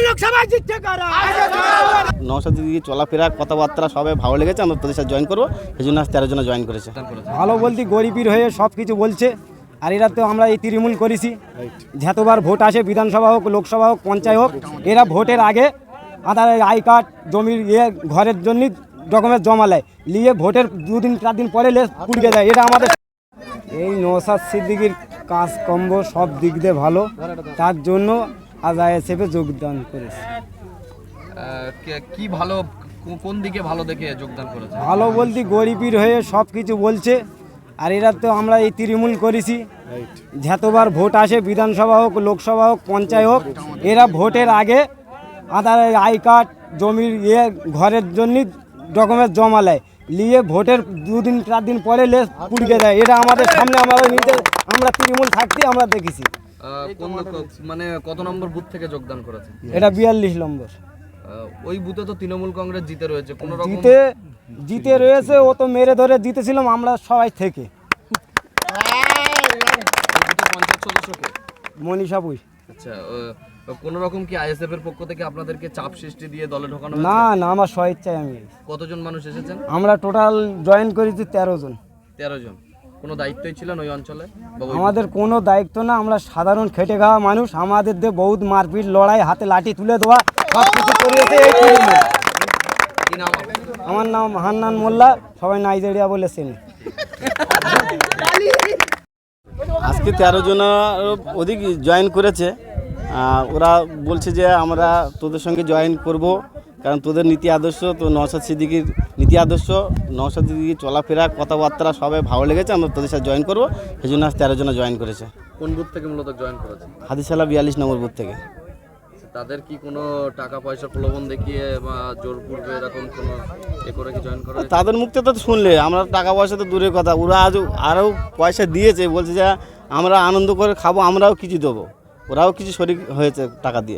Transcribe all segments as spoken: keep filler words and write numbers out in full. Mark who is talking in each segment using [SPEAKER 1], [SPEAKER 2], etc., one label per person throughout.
[SPEAKER 1] লোকসভায় জিতছে কারা?
[SPEAKER 2] নওশাদ দিদি চলাফেরা কথাবার্তা সবাই ভালো লেগেছে, আমরা তোদের সাথে জয়েন করবো, সেই জন্য আজ তেরো জন জয়েন করেছে।
[SPEAKER 3] ভালো বলতে গরিবের হয়ে সব কিছু বলছে। আর এরা তো আমরা এই তৃণমূল করেছি, যতবার ভোট আসে বিধানসভা হোক লোকসভা হোক পঞ্চায়েত হোক, এরা ভোটের আগে আধার আই কার্ড জমির ইয়ে ঘরের জন্য ডকুমেন্ট জমা নেয়, নিয়ে ভোটের দুদিন চার দিন পরে লেস পুড়কে যায়। এটা আমাদের এই নওশাদ সিদ্দিকীর কাজকর্ম সব দিক দিয়ে ভালো, তার জন্য আজ আইএসএফে যোগদান করেছে।
[SPEAKER 4] কি ভালো, কোন দিকে ভালো দেখে যোগদান করেছে?
[SPEAKER 3] ভালো বলতে গরিবের হয়ে সব কিছু বলছে। আর এরা তো আমরা এই তৃণমূল করেছি, যতবার ভোট আসে বিধানসভা হোক লোকসভা হোক পঞ্চায়েত হোক, এরা ভোটের আগে আধার আই কার্ড জমির ইয়ে ঘরের জন্য ডকুমেন্ট জমা নেয়, নিয়ে ভোটের দুদিন চার দিন পরে লেস পুড়কে যায়। এটা আমাদের সামনে আমরা নিজে আমরা তৃণমূল থাকতে আমরা দেখেছি।
[SPEAKER 4] মানে কত নম্বর বুথ থেকে যোগদান করেছে?
[SPEAKER 3] এটা বিয়াল্লিশ নম্বর।
[SPEAKER 4] ওই বুথে তো তৃণমূল কংগ্রেস জিতে রয়েছে, কোন রকম
[SPEAKER 3] জিতে জিতে রয়েছে, ও তো মেরে ধরে জিতেছিলাম আমরা সবাই থেকে।
[SPEAKER 4] পঞ্চায়েত সদস্যকে
[SPEAKER 3] মনীষা পুই।
[SPEAKER 4] আচ্ছা, কোন রকম কি আইএসএফ এর পক্ষ থেকে আপনাদেরকে চাপ সৃষ্টি দিয়ে দলে ঢোকানো
[SPEAKER 3] না না, আমার স্বেচ্ছায় আমি।
[SPEAKER 4] কতজন মানুষ এসেছেন?
[SPEAKER 3] আমরা টোটাল জয়েন করেছি তেরো জন।
[SPEAKER 4] তেরো জন। কোনো দায়িত্বই ছিলেন ওই অঞ্চলে?
[SPEAKER 3] আমাদের কোনো দায়িত্ব না, আমরা সাধারণ খেটে খাওয়া মানুষ। আমাদের দিয়ে বহুত মারপিট লড়াই, হাতে লাঠি তুলে দেওয়া সব কিছু করিয়েছে এই তৃণমূল।
[SPEAKER 4] কি নাম?
[SPEAKER 3] আমার নাম হান্নান মোল্লা, সবাই নাইজেরিয়া বলে চেনে।
[SPEAKER 2] আজকে তেরো জন অধিক জয়েন করেছে। ওরা বলছে যে আমরা তোদের সঙ্গে জয়েন করব, কারণ তোদের নীতি আদর্শ, তো নওশাদ সিদ্দিকীর নীতি আদর্শ, নওশাদ সিদ্দিকীর চলাফেরা কথাবার্তা সবাই ভালো লেগেছে, আমরা তোদের সাথে জয়েন করবো, সেই জন্য আজ তেরো জন জয়েন করেছে।
[SPEAKER 4] কোন বুথ থেকে মূলত জয়েন করেছে?
[SPEAKER 2] হাদিসালা বিয়াল্লিশ নম্বর বুথ থেকে।
[SPEAKER 4] তাদের কি কোনো টাকা পয়সা প্রলোভন দেখিয়ে বা জোর পূর্বে এরকম কোনো এ করে কি জয়েন করা?
[SPEAKER 2] তাদের মুখ থেকে তো শুনলে আমরা টাকা পয়সা তো দূরের কথা, ওরা আজ আরও পয়সা দিয়েছে, বলছে যে আমরা আনন্দ করে খাবো, আমরাও কিছু দেবো, ওরাও কিছু শরিক হয়েছে টাকা দিয়ে।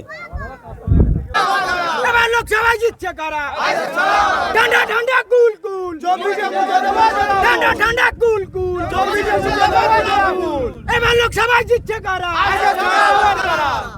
[SPEAKER 1] লোকসভায় জিতছে কারা? ঠান্ডা ঠান্ডা কুল কুল ঠান্ডা ঠান্ডা কুল কুল এবার লোকসভায় জিতছে কারা?